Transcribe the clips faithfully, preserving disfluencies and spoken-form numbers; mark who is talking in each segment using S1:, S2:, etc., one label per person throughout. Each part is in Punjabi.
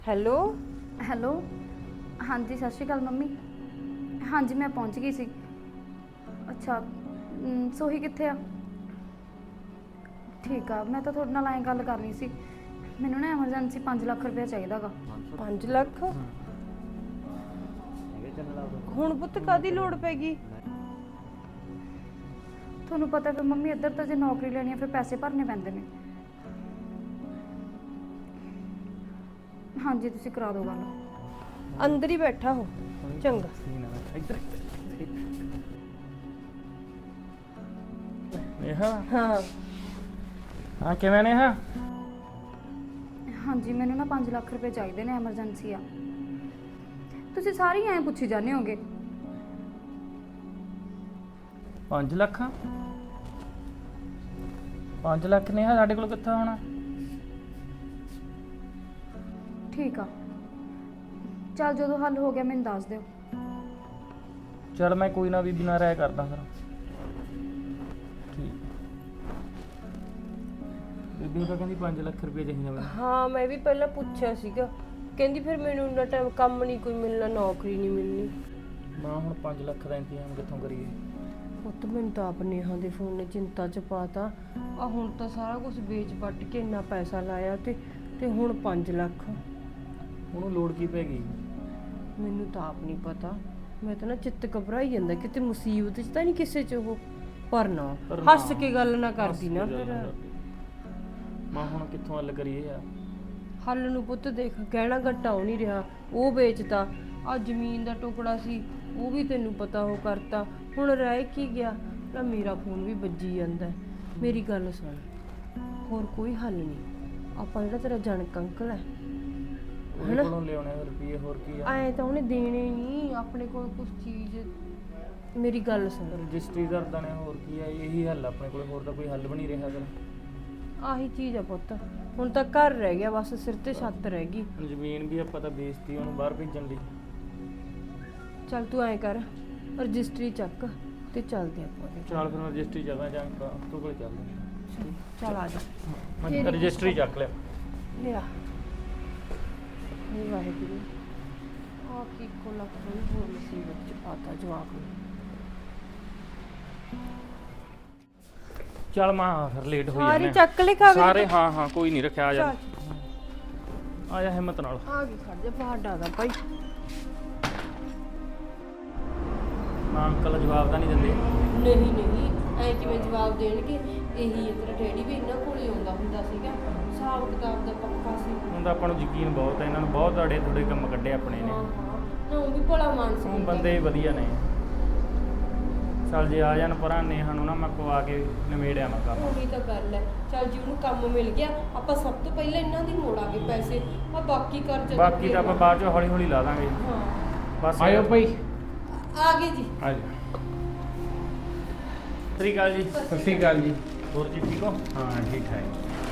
S1: ਹੈਲੋ
S2: ਹੈਲੋ ਹਾਂਜੀ ਸਤਿ ਸ਼੍ਰੀ ਅਕਾਲ ਮੰਮੀ। ਹਾਂਜੀ ਮੈਂ ਪਹੁੰਚ ਗਈ ਸੀ। ਅੱਛਾ ਅਮ, ਸੋਹੀ ਕਿੱਥੇ ਆ? ਠੀਕ ਆ, ਮੈਂ ਤਾਂ ਤੁਹਾਡੇ ਨਾਲ ਐਂ ਗੱਲ ਕਰਨੀ ਸੀ, ਮੈਨੂੰ ਨਾ ਐਮਰਜੈਂਸੀ ਪੰਜ ਲੱਖ ਰੁਪਏ ਚਾਹੀਦਾ ਗਾ।
S1: ਪੰਜ ਲੱਖ ਹੁਣ ਪੁੱਤ ਕਾਦੀ ਲੋੜ ਪੈ ਗਈ?
S2: ਤੁਹਾਨੂੰ ਪਤਾ ਫਿਰ ਮੰਮੀ ਇੱਧਰ ਤਾਂ ਜੇ ਨੌਕਰੀ ਲੈਣੀ ਆ ਫਿਰ ਪੈਸੇ ਭਰਨੇ ਪੈਂਦੇ ਨੇ। ਹਾਂਜੀ ਤੁਸੀਂ ਕਰਾ ਦਿਓ ਗੱਲ।
S1: ਅੰਦਰ ਹੀ ਬੈਠਾ ਹੋ। ਚੰਗਾ
S3: ਇੱਧਰ ਨੇਹਾ।
S1: ਹਾਂ
S3: ਹਾਂ ਕਿਵੇਂ ਨੇਹਾ?
S2: ਹਾਂਜੀ ਮੈਨੂੰ ਨਾ ਪੰਜ ਲੱਖ ਰੁਪਏ ਚਾਹੀਦੇ ਨੇ, ਐਮਰਜੈਂਸੀ ਆ। ਤੁਸੀਂ ਸਾਰੇ ਐਂ ਪੁੱਛੀ ਜਾਂਦੇ ਹੋਗੇ।
S3: ਪੰਜ ਲੱਖ ਪੰਜ ਲੱਖ ਨੇਹਾ ਸਾਡੇ ਕੋਲ ਕਿੱਥੋਂ ਹੋਣਾ?
S2: ਠੀਕ ਆ, ਚੱਲ ਜਦੋਂ ਹੱਲ ਹੋ ਗਿਆ ਮੈਨੂੰ ਦੱਸ ਦਿਓ।
S3: ਚਲ ਮੈਂ ਕੋਈ ਨਾ ਬੀਬੀ ਨਾਲ ਰਾਇ ਕਰਦਾ ਫਿਰ। ਠੀਕ ਬੀਬੀ ਤਾਂ ਕਹਿੰਦੀ ਪੰਜ ਲੱਖ ਰੁਪਏ ਚਾਹੀਦਾ ਮੈਨੂੰ।
S1: ਹਾਂ ਮੈਂ ਵੀ ਪਹਿਲਾਂ ਪੁੱਛਿਆ ਸੀਗਾ, ਕਹਿੰਦੀ ਫਿਰ ਮੈਨੂੰ ਇੰਨਾ ਟਾਈਮ ਕੰਮ ਨਹੀਂ ਕੋਈ ਮਿਲਣਾ, ਨੌਕਰੀ ਨਹੀਂ ਮਿਲਣੀ।
S3: ਮਾਂ ਹੁਣ ਪੰਜ ਲੱਖ ਦਾ ਇੰਤਜ਼ਾਮ ਕਿੱਥੋਂ ਕਰੀਏ?
S1: ਪੁੱਤ ਮੈਨੂੰ ਤਾਂ ਆਪ ਨੇਹਾ ਦੇ ਫੋਨ ਨੇ ਚਿੰਤਾ ਚ ਪਾਤਾ। ਆ ਹੁਣ ਤਾਂ ਸਾਰਾ ਕੁਝ ਵੇਚ ਵੱਟ ਕੇ ਇੰਨਾ ਪੈਸਾ ਲਾਇਆ ਤੇ ਤੇ ਹੁਣ ਪੰਜ ਲੱਖ।
S3: ਉਹਨੂੰ ਲੋੜ ਕੀ ਪੈ ਗਈ?
S1: ਮੈਨੂੰ ਤਾਂ ਆਪ ਨਹੀਂ ਪਤਾ, ਮੈਂ ਤਾਂ ਨਾ ਚਿੱਤ ਘਬਰਾਈ ਜਾਂਦਾ ਕਿਤੇ ਮੁਸੀਬਤ 'ਚ ਤਾਂ ਨਹੀਂ ਕਿਸੇ 'ਚ ਉਹ। ਪਰ ਨਾ
S3: ਪਰ
S1: ਹੱਸ
S3: ਨਾ,
S1: ਕੇ ਗੱਲ ਨਾ ਕਰਦੀ
S3: ਹੱਸ
S1: ਨਾ
S3: ਕੇ ਗੱਲ
S1: ਫਿਰ।
S3: ਨਾ ਕਰਦੀ। ਮਾਂ ਹੁਣ ਕਿੱਥੋਂ ਹੱਲ ਕਰੀਏ ਯਾਰ?
S1: ਹੱਲ ਨੂੰ ਪੁੱਤ ਦੇਖ, ਗਹਿਣਾ ਗੱਟਾ ਹੋ ਨਹੀਂ ਰਿਹਾ, ਉਹ ਵੇਚਤਾ। ਆ ਜ਼ਮੀਨ ਦਾ ਟੁਕੜਾ ਸੀ ਉਹ ਵੀ ਤੈਨੂੰ ਪਤਾ ਉਹ ਕਰਤਾ। ਹੁਣ ਰਹਿ ਕੀ ਗਿਆ ਨਾ, ਮੇਰਾ ਫੋਨ ਵੀ ਵੱਜੀ ਜਾਂਦਾ। ਮੇਰੀ ਗੱਲ ਸੁਣ, ਹੋਰ ਕੋਈ ਹੱਲ ਨਹੀਂ। ਆਪਾਂ ਜਿਹੜਾ ਤੇਰਾ ਜਣਕ ਅੰਕਲ ਹੈ
S3: ਉਹਦੇ ਕੋਲੋਂ ਲਿਆਉਣੇ ਰੁਪਏ, ਹੋਰ ਕੀ ਆ?
S1: ਐ ਤਾਂ ਉਹਨੇ ਦੇਣੇ ਨਹੀਂ ਆਪਣੇ ਕੋਲ ਕੁਝ ਚੀਜ਼। ਮੇਰੀ ਗੱਲ ਸੁਣ,
S3: ਰਜਿਸਟਰੀ ਕਰਦਾ ਨੇ, ਹੋਰ ਕੀ ਆ? ਇਹੀ ਹੱਲ ਆਪਣੇ ਕੋਲ, ਹੋਰ ਤਾਂ ਕੋਈ ਹੱਲ ਵੀ ਨਹੀਂ ਰਿਹਾ ਫਿਰ।
S1: ਆਹੀ ਚੀਜ਼ ਆ ਪੁੱਤ, ਹੁਣ ਤਾਂ ਘਰ ਰਹਿ ਗਿਆ ਬਸ, ਸਿਰ ਤੇ ਛੱਤ ਰਹਿ ਗਈ।
S3: ਜ਼ਮੀਨ ਵੀ ਆਪਾਂ ਤਾਂ ਵੇਚਤੀ ਉਹਨੂੰ ਬਾਹਰ ਭੇਜਣ ਲਈ।
S1: ਚੱਲ ਤੂੰ ਐਂ ਕਰ, ਰਜਿਸਟਰੀ ਚੱਕ ਤੇ ਚੱਲਦੇ ਆਪਾਂ।
S3: ਚੱਲ ਫਿਰ ਮੈਂ ਰਜਿਸਟਰੀ ਜਗ੍ਹਾ ਜਾਂ ਤੂੰ ਕੋਲ ਚੱਲਦਾ।
S1: ਚੱਲ ਆ ਜਾ।
S3: ਮੈਂ ਰਜਿਸਟਰੀ ਚੱਕ ਲਿਆ।
S1: ਲਿਆ ਇਹ ਵਾਹਿਗੁਰੂ, ਆ ਕੀ ਕੋ ਲੱਖ ਨੂੰ ਹੋਰ ਮੁਸੀਬਤ ਚ ਪਾਤਾ ਜਵਾਬ ਨੂੰ।
S3: ਚੱਲ ਮਾਂ ਫਿਰ ਲੇਟ ਹੋਈ
S1: ਸਾਰੀ
S3: ਜਾਂਦੇ
S1: ਚੱਕ ਲੈ ਕਾਗਜ਼
S3: ਸਾਰੇ। ਹਾਂ ਹਾਂ ਕੋਈ ਨਹੀਂ, ਰੱਖਿਆ ਆ ਜਾ। ਆ ਜਾ ਹਿੰਮਤ ਨਾਲ।
S1: ਆ ਗਈ, ਖੜ ਜਾ ਪਹਾੜਾ ਦਾ ਭਾਈ।
S3: ਮਾਂ ਅੰਕਲ ਜਵਾਬ ਤਾਂ ਨਹੀਂ ਦਿੰਦੇ?
S1: ਨਹੀਂ ਨਹੀਂ, ਐ ਕਿਵੇਂ ਜਵਾਬ ਦੇਣਗੇ? ਇਹੀ ਹੈ ਤੇਰਾ ਡੈਡੀ ਵੀ ਇਹਨਾਂ ਕੋਲ ਹੀ ਆਉਂਦਾ ਹੁੰਦਾ ਸੀਗਾ, ਹਿਸਾਬ ਕਿਤਾਬ ਦਾ ਪੱਕਾ ਸੀ।
S3: ਹੁਣ ਤਾਂ ਆਪਾਂ ਨੂੰ ਯਕੀਨ ਬਹੁਤ ਹੈ, ਇਹਨਾਂ ਨੂੰ ਬਹੁਤ ਅੜੇ ਥੋੜੇ ਕੰਮ ਕੱਢੇ ਆਪਣੇ ਨੇ।
S1: ਹਾਂ ਹਾਂ, ਨਾ ਉਹ ਵੀ ਭਲਾ ਮਾਨਸ
S3: ਉਹ ਬੰਦੇ ਵੀ ਵਧੀਆ ਨੇ। ਚੱਲ ਜੇ ਆ ਜਾਣ ਪਰਾਂ ਨੇਹਾ ਨੂੰ ਨਾ ਮੈਂ ਪਵਾ ਕੇ ਨਿਮੇੜਿਆ ਮੈਂ ਕੰਮ।
S1: ਉਹੀ ਤਾਂ ਗੱਲ ਹੈ। ਚੱਲ ਜੀ ਉਹਨੂੰ ਕੰਮ ਮਿਲ ਗਿਆ, ਆਪਾਂ ਸਭ ਤੋਂ ਪਹਿਲਾਂ ਇਹਨਾਂ ਦੀ ਮੋੜਾਂਗੇ ਪੈਸੇ, ਆ ਬਾਕੀ ਕਰ ਜਦੋਂ
S3: ਬਾਕੀ ਤਾਂ ਆਪਾਂ ਬਾਅਦ ਚੋਂ ਹੌਲੀ ਹੌਲੀ ਲਾ ਦਾਂਗੇ।
S1: ਹਾਂ
S3: ਬਸ
S4: ਆਇਓ ਭਾਈ।
S1: ਆ ਗਏ ਜੀ।
S4: ਆ ਜਾ।
S3: ਸਤਿ ਸ਼੍ਰੀ ਅਕਾਲ ਜੀ।
S4: ਸਤਿ ਸ਼੍ਰੀ ਅਕਾਲ ਜੀ।
S3: ਹੋਰ ਜੀ ਠੀਕ ਹੋ?
S4: ਹਾਂ ਠੀਕ ਠਾਕ।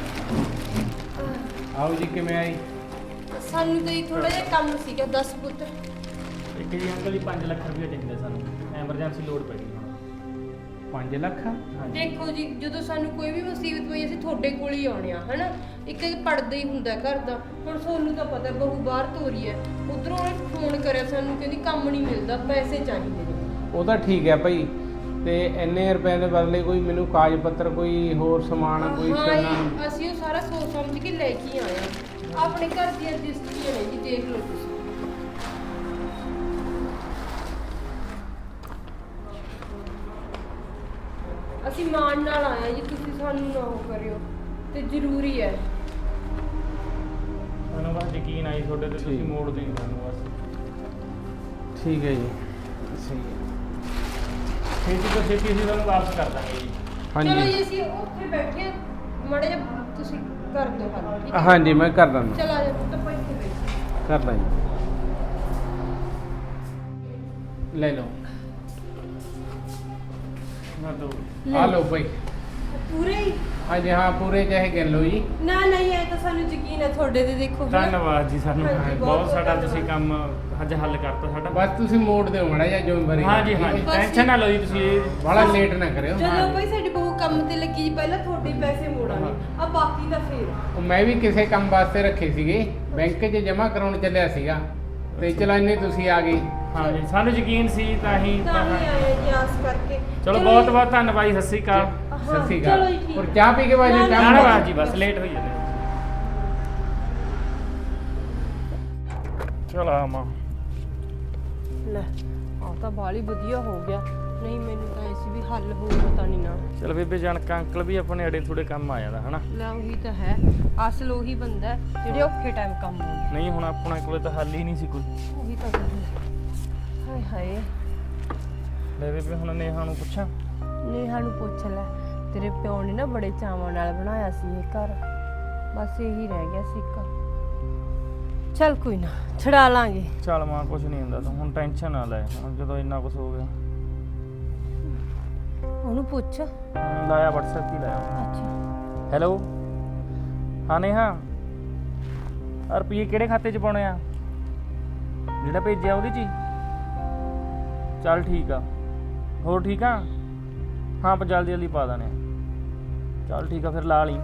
S4: ਆਓ ਜੀ, ਕਿਵੇਂ ਆਈ?
S1: ਸਾਨੂੰ ਤਾਂ ਥੋੜਾ ਜਿਹਾ ਕੰਮ ਸੀਗਾ, ਦਸ ਪੁੱਤ।
S3: ਇੱਕ ਜੀ ਅੰਕਲ ਜੀ ਪੰਜ ਲੱਖ ਰੁਪਏ ਚਾਹੀਦਾ ਸਾਨੂੰ, ਐਮਰਜੈਂਸੀ ਲੋੜ ਪੈ ਗਈ ਹੁਣ।
S4: ਪੰਜ ਲੱਖ?
S3: ਹਾਂਜੀ।
S1: ਦੇਖੋ ਜੀ, ਜਦੋਂ ਸਾਨੂੰ ਕੋਈ ਵੀ ਮੁਸੀਬਤ ਪਈ ਅਸੀਂ ਤੁਹਾਡੇ ਕੋਲ ਹੀ ਆਉਣੇ ਆ, ਹਨਾ। ਇੱਕ ਪੜਦਾ ਹੀ ਹੁੰਦਾ ਘਰ ਦਾ। ਹੁਣ ਤੁਹਾਨੂੰ ਤਾਂ ਪਤਾ ਬਹੂ ਬਾਹਰ ਤੋਰੀ ਹੈ, ਉਧਰੋਂ ਉਹਨੇ ਫੋਨ ਕਰਿਆ ਸਾਨੂੰ, ਕਹਿੰਦੀ ਕੰਮ ਨਹੀਂ ਮਿਲਦਾ, ਪੈਸੇ ਚਾਹੀਦੇ ਨੇ।
S4: ਉਹ ਤਾਂ ਠੀਕ ਹੈ ਭਾਈ, ਤੇ ਇੰਨੇ ਰੁਪਏ ਦੇ ਬਦਲੇ ਕੋਈ ਮੈਨੂੰ ਕਾਗਜ਼ ਪੱਤਰ, ਕੋਈ ਹੋਰ ਸਮਾਨ, ਕੋਈ
S1: ਹਾਂ
S4: ਸੋਨਾ।
S1: ਜੀ, ਅਸੀਂ ਉਹ ਸਾਰਾ ਸੋਚ ਸਮਝ ਕੇ ਲੈ ਕੇ ਆਏ ਆ। ਆਪਣੇ ਘਰ ਦੀਆਂ ਰਜਿਸਟਰੀਆਂ ਨੇ ਜੀ, ਦੇਖ ਲਓ ਤੁਸੀਂ। ਅਸੀਂ ਮਾਣ ਨਾਲ ਆਏ ਜੀ, ਤੁਸੀਂ ਸਾਨੂੰ ਨਾ ਉਹ ਕਰਿਓ, ਤੇ ਜ਼ਰੂਰੀ ਹੈ।
S3: ਸਾਨੂੰ ਬਸ ਯਕੀਨ ਆਈ ਤੁਹਾਡੇ ਤੇ, ਤੁਸੀਂ
S4: ਠੀਕ।
S3: ਮੋੜ ਦੇਣੀ ਸਾਨੂੰ ਬਸ।
S4: ਠੀਕ ਹੈ ਜੀ, ਸਹੀ ਹੈ।
S3: ਛੇਤੀ ਤੋਂ ਛੇਤੀ ਅਸੀਂ ਤੁਹਾਨੂੰ ਵਾਪਸ ਕਰ ਦਾਂਗੇ ਜੀ।
S1: ਚਲੋ
S4: ਹਾਂਜੀ
S1: ਜੀ, ਅਸੀਂ ਉੱਥੇ ਬੈਠੇ ਮੜੇ ਜਿਹਾ, ਤੁਸੀਂ ਕਰ ਦਿਓ ਹੱਲ, ਠੀਕ ਹੈ?
S4: ਹਾਂਜੀ ਮੈਂ ਕਰ ਦਿੰਦਾ,
S1: ਚਲ ਆ ਜਾ ਪੁੱਤ, ਆਪਾਂ ਇੱਥੇ ਬੈਠੇ।
S4: ਕਰਦਾ ਜੀ। ਲੈ ਲਓ।
S3: ਨਾ ਦੋ।
S4: ਆ ਲਓ ਭਾਈ।
S1: ਪੂਰੇ ਹੀ?
S4: ਹਾਂਜੀ ਹਾਂ, ਪੂਰੇ ਚਾਹੇ ਗਿਣ ਲਓ ਜੀ।
S1: ਨਾ ਨਹੀਂ, ਇਹ ਤਾਂ ਸਾਨੂੰ ਯਕੀਨ ਹੈ ਤੁਹਾਡੇ ਤੇ। ਦੇਖੋ ਹਨਾ।
S3: ਧੰਨਵਾਦ ਜੀ, ਸਾਨੂੰ
S1: ਹਾਂਜੀ, ਬਹੁਤ
S3: ਬਹੁਤ ਸਾਡਾ
S1: ਬਹੁਤ
S3: ਤੁਸੀਂ ਕੰਮ ਅੱਜ ਹੱਲ ਕਰਤਾ ਸਾਡਾ।
S4: ਬਸ ਤੁਸੀਂ ਮੋੜ ਦਿਓ ਮਾੜਾ ਜਿਹਾ ਜੋ ਮਰੀ।
S3: ਹਾਂਜੀ ਹਾਂਜੀ,
S1: ਬਸ
S3: ਟੈਨਸ਼ਨ ਨਾ ਲਓ ਜੀ ਤੁਸੀਂ।
S4: ਬੜਾ ਲੇਟ ਨਾ ਕਰਿਓ।
S1: ਜਦੋਂ ਭਾਈ ਸਾਡੀ ਬਹੂ ਕੰਮ ਤੇ ਲੱਗੀ ਜੀ ਪਹਿਲਾਂ ਤੁਹਾਡੇ ਪੈਸੇ ਮੋੜਾਂਗੇ ਆ ਬਾਕੀ ਦਾ ਫੇਰ
S4: ਉਹ ਮੈਂ ਵੀ ਕਿਸੇ ਕੰਮ ਵਾਸਤੇ ਰੱਖੇ ਸੀਗੇ, ਬੈਂਕ 'ਚ ਜਮ੍ਹਾਂ ਕਰਾਉਣ ਚੱਲਿਆ ਸੀਗਾ ਤੇ ਚਲਾਨੇ ਤੁਸੀਂ ਆ ਗਏ।
S3: ਹਾਂ ਜੀ, ਸਾਨੂੰ ਯਕੀਨ ਸੀ ਤਾਂ ਹੀ
S1: ਤਾਂ ਹੀ ਆਏ ਜੀ ਆਸ ਕਰਕੇ।
S3: ਚਲੋ ਬਹੁਤ ਬਹੁਤ ਧੰਨਵਾਦ ਜੀ, ਸਤਿ ਸ਼੍ਰੀ ਅਕਾਲ।
S4: ਸਤਿ ਸ਼੍ਰੀ
S1: ਚਲੋ
S4: ਅਕਾਲ।
S1: ਜੀ, ਠੀਕ।
S4: ਹੋਰ ਚਾਹ ਪੀ ਕੇ ਬਾਜੀ
S1: ਨਾ,
S4: ਚਾਹ
S3: ਨਾ
S4: ਬਣਾ-
S3: ਨਾ ਜੀ, ਬਸ ਲੇਟ ਹੋਈ ਜਾਂਦੇ। ਚਲ ਆ ਮਾਂ।
S1: ਲੈ ਆ ਤਾਂ ਬਾਲੀ ਵਧੀਆ ਹੋ ਗਿਆ, ਨਹੀਂ ਮੈਨੂੰ ਤਾਂ ਐਸੀ ਵੀ ਹੱਲ ਹੋਊ ਪਤਾ ਨਹੀਂ ਨਾ।
S3: ਚਲ ਬੇਬੇ ਜਾਨਕ ਅੰਕਲ ਵੀ ਆਪਣੇ ਅੜੇ ਥੋੜੇ ਕੰਮ ਆ ਜਾਂਦਾ ਹਨਾ।
S1: ਲੈ ਉਹੀ ਤਾਂ ਹੈ, ਅਸਲ ਉਹੀ ਬੰਦਾ ਹੈ ਜਿਹੜੇ ਔਖੇ ਟਾਈਮ ਕੰਮ ਆਉਂਦਾ।
S3: ਨਹੀਂ ਹੁਣ ਆਪਣੇ ਕੋਲੇ ਤਾਂ ਹੱਲ ਹੀ ਨਹੀਂ ਸੀ ਕੋਈ।
S1: ਉਹੀ ਤਾਂ ਗੱਲ ਹੈ। ਹਾਏ ਹਾਏ,
S3: ਲੈ ਬੇਬੇ ਹੁਣ ਨੇਹਾ ਨੂੰ ਪੁੱਛਾਂ।
S1: ਨੇਹਾ ਨੂੰ ਪੁੱਛ ਲੈ, ਤੇਰੇ ਪਿਓ ਨੇ ਨਾ ਬੜੇ ਚਾਵਾਂ ਨਾਲ ਬਣਾਇਆ ਸੀ ਇਹ ਘਰ, ਬਸ ਇਹੀ ਰਹਿ ਗਿਆ ਸੀ ਇੱਕ। ਚੱਲ ਕੋਈ ਨਾ, ਛਡਾ ਲਾਂਗੇ।
S3: ਚੱਲ ਮਾਂ ਕੁਝ ਨਹੀਂ ਹੁੰਦਾ, ਤੂੰ ਹੁਣ ਟੈਨਸ਼ਨ ਨਾ ਲੈ, ਹੁਣ ਜਦੋਂ ਇੰਨਾ ਕੁਝ ਹੋ ਗਿਆ।
S1: ਉਹਨੂੰ ਪੁੱਛ।
S3: ਹਮ, ਲਾਇਆ WhatsApp ਹੀ ਲਾਇਆ।
S1: ਅੱਛਾ
S3: ਹੈਲੋ ਹਾਂ ਨੇਹਾ, ਆਹ ਰੁਪਈਏ ਕਿਹੜੇ ਖਾਤੇ 'ਚ ਪਾਉਣੇ ਆ? ਜਿਹੜਾ ਭੇਜਿਆ ਉਹਦੇ 'ਚ ਹੀ? ਚੱਲ ਠੀਕ ਆ। ਹੋਰ ਠੀਕ ਆ? ਹਾਂ ਆਪਾਂ ਜਲਦੀ ਜਲਦੀ ਪਾ ਦਾਨੇ। ਚੱਲ ਠੀਕ ਆ ਫਿਰ ਲਾ ਲਈ।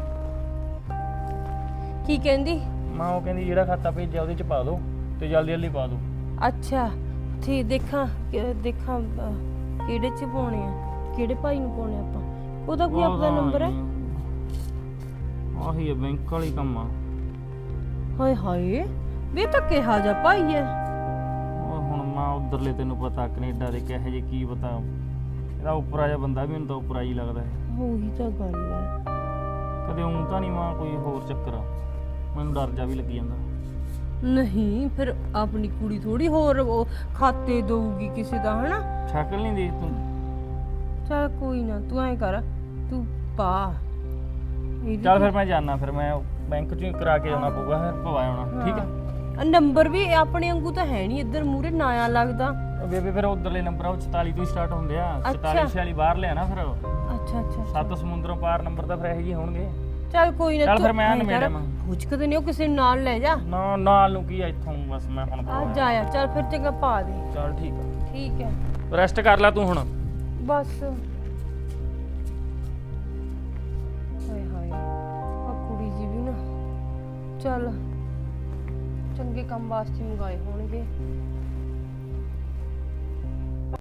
S1: ਕੀ ਕਹਿੰਦੀ?
S3: ਮਾਂ ਉਹ ਕਹਿੰਦੀ ਜਿਹੜਾ ਖਾਤਾ ਭੇਜਿਆ ਉਹਦੇ 'ਚ ਪਾ ਦਿਓ ਤੇ ਜਲਦੀ ਜਲਦੀ ਪਾ ਦਿਓ।
S1: ਅੱਛਾ ਠੀਕ, ਦੇਖਾਂ ਕਿ- ਦੇਖਾਂ ਅਹ, ਕਿਹੜੇ ਚ ਪਾਉਣੇ ਆ, ਕਿਹੜੇ ਭਾਈ ਨੂੰ ਪਾਉਣੇ ਆਪਾਂ? ਉਹਦਾ ਕੋਈ ਆਪਦਾ ਨੰਬਰ ਹੈ?
S3: ਆਹੀ ਹੈ ਬੈਂਕ ਵਾਲੀ ਕੰਮ ਆ।
S1: ਹਾਏ ਹਾਏ, ਵੇ ਤਾਂ ਕਿਹਾ ਜਾ ਭਾਈ ਹੈ।
S3: ਉਹ ਹੁਣ ਮਾਂ ਉਧਰਲੇ ਤੈਨੂੰ ਪਤਾ ਕੈਨੇਡਾ ਦੇ ਕਿਹੋ ਜਿਹੇ, ਕੀ ਪਤਾ ਇਹਦਾ ਉੱਪਰਾ ਜਿਹਾ ਬੰਦਾ ਵੀ ਮੈਨੂੰ ਤਾਂ ਉੱਪਰਾ ਹੀ ਲੱਗਦਾ ਹੈ।
S1: ਉਹੀ ਤਾਂ ਗੱਲ ਹੈ।
S3: ਕਦੇ ਉਂ ਤਾਂ ਨਹੀਂ ਮਾਂ ਕੋਈ ਹੋਰ ਚੱਕਰ ਆ, ਮੈਨੂੰ ਡਰ ਜਾ ਵੀ ਲੱਗੀ ਜਾਂਦਾ।
S1: ਨਹੀਂ ਫਿਰ ਆਪਣੀ ਕੁੜੀ ਥੋੜੀ ਹੋਰ ਉਹ ਖਾਤੇ ਦਊਗੀ ਕਿਸੇ ਦਾ, ਹਨਾ?
S3: ਸ਼ਕਲ ਨਹੀਂ ਦੇਖ ਤੂੰ।
S1: ਚੱਲ ਕੋਈ ਨਾ, ਤੂੰ ਐਂ ਕਰ, ਤੂੰ ਪਾ ਇਹਦੀ
S3: ਚੱਲ ਫਿਰ ਮੈਂ ਜਾਣਾ, ਫਿਰ ਮੈਂ ਬੈਂਕ ਚੋਂ ਹੀ ਕਰਾ ਕੇ ਆਉਣਾ ਪਊਗਾ, ਫਿਰ ਪਵਾ ਆਉਣਾ। ਠੀਕ ਆ।
S1: ਆ ਨੰਬਰ ਵੀ ਆਪਣੇ ਵਾਂਗੂ ਤਾਂ ਹੈ ਨਹੀਂ, ਇੱਧਰ ਮੂਰੇ ਨਾਇਆ ਲੱਗਦਾ।
S3: ਉਹ ਬੇਬੇ ਫਿਰ ਉਧਰਲੇ ਨੰਬਰ ਆ ਉਹ ਚੁਤਾਲੀ ਤੋਂ ਹੀ ਸਟਾਰਟ ਹੁੰਦੇ ਆ।
S1: ਅੱਛਾ।
S3: ਚੁਤਾਲੀ ਛਿਆਲੀ ਬਾਹਰ ਲਿਆ ਨਾ, ਫਿਰ
S1: ਅੱਛਾ ਅੱਛਾ
S3: ਸੱਤ ਸਮੁੰਦਰੋਂ ਪਾਰ ਨੰਬਰ ਤਾਂ ਫਿਰ ਇਹੋ ਜਿਹੇ ਹੋਣਗੇ।
S1: ਚੱਲ ਕੋਈ ਨਾ,
S3: ਚੱਲ
S1: ਤੂੰ
S3: ਫਿਰ ਮੈਂ
S1: ਐਂ
S3: ਨਿਬੇੜਿਆ
S1: ਕਰ,
S3: ਮੈਂ।
S1: ਪੁੱਛਕਦੇ ਨਹੀਂ ਉਹ ਕਿਸੇ ਨੂੰ ਨਾਲ ਲੈ ਜਾ।
S3: ਨਾ ਨਾਲ ਨੂੰ ਕੀ ਆ ਇੱਥੋਂ, ਬਸ ਮੈਂ ਹੁਣ
S1: ਆ ਜਾਇਆ, ਚੱਲ ਫਿਰ ਚੰਗਾ ਪਾ ਦੇ।
S3: ਚੱਲ ਠੀਕ ਆ,
S1: ਠੀਕ ਹੈ
S3: ਰੈਸਟ ਕਰ ਲੈ ਤੂੰ ਹੁਣ।
S1: ਬਸ। ਹਾਏ ਹਾਏ, ਆ ਕੁੜੀ ਜੀ ਵੀ ਨਾ, ਚੱਲ ਚੰਗੇ ਕੰਮ ਵਾਸਤੇ ਮੰਗਾਏ ਹੋਣਗੇ,